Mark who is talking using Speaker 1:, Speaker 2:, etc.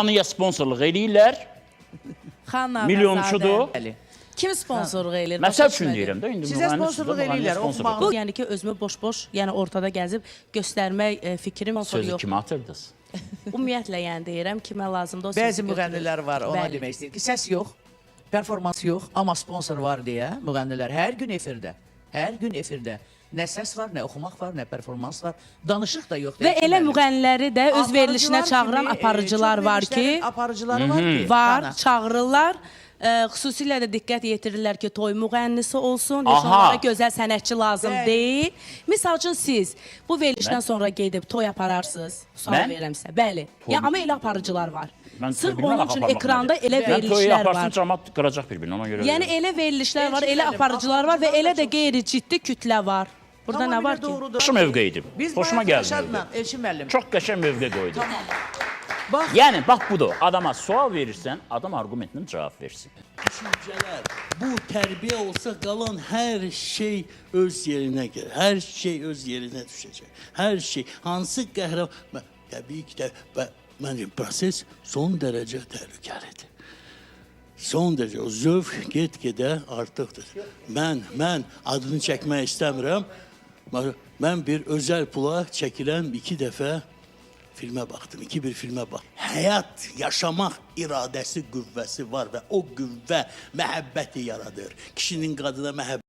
Speaker 1: Xanıya sponsorluq eləyirlər.
Speaker 2: Xanlar
Speaker 1: Milyonçudur.
Speaker 2: Kim sponsorluq eləyir?
Speaker 1: Məsəl üçün deyirəm də, indi
Speaker 3: Sizə sponsorluq eləyirlər,
Speaker 2: Bu, yəni ki, özümü boş-boş, yəni ortada gəzib göstərmək fikrim
Speaker 1: Sözü
Speaker 2: yox.
Speaker 1: kimi atırdınız?
Speaker 2: Ümumiyyətlə, yəni deyirəm, kimə lazımdır o sözü
Speaker 3: Bəzi müğənnilər var, ona
Speaker 2: Bəli.
Speaker 3: demək istəyir ki, səs yox, performans yox, amma sponsor var deyə müğənnilər hər gün efirdə, nə səs var, nə oxumaq var, nə performans var, danışıq da yoxdur.
Speaker 2: Və elə müğənniləri də öz verilişinə çağıran aparıcılar var ki, çağırırlar. Xüsusilə də diqqət yetirirlər ki, toy müğənnisi olsun, heç onlara gözəl sənətçi lazım deyil. Misal üçün siz bu verilişdən sonra gedib toy apararsınız, sual verirəm sizə. Bəli, amma elə aparıcılar var. Sırf onun üçün ekranda elə verilişlər var.
Speaker 1: Toyu aparsın, cəmat qıracaq bir-birini, ona görə.
Speaker 2: Yəni elə verilişlər var, elə aparıcılar var və elə də qeyri-ciddi kütlə var. Burada nə var ki?
Speaker 1: Yaxşı mövqe idi, hoşuma gəldi.
Speaker 3: Elçin müəllim.
Speaker 1: Çox qəşəng mövqe qoydu. Yəni, bax budur, adama sual verirsən, adam argumentlə cavab versin.
Speaker 4: Düşüncələr, bu tərbiyə olsa qalan hər şey öz yerinə gəlir. Hər şey öz yerinə düşəcək. Hər şey, hansı qəhrəman... Təbii ki, məncə, proses son dərəcə təhlükəlidir. Son dərəcə, o zövq get-gedə artıqdır. Mən adını çəkmək istəmirəm. Mən bir özəl pula çəkilən 2 dəfə filmə baxdım, 2-1 filmə baxdım. Həyat, yaşamaq iradəsi, qüvvəsi var və o qüvvə məhəbbəti yaradır. Kişinin qadına məhəbbəti.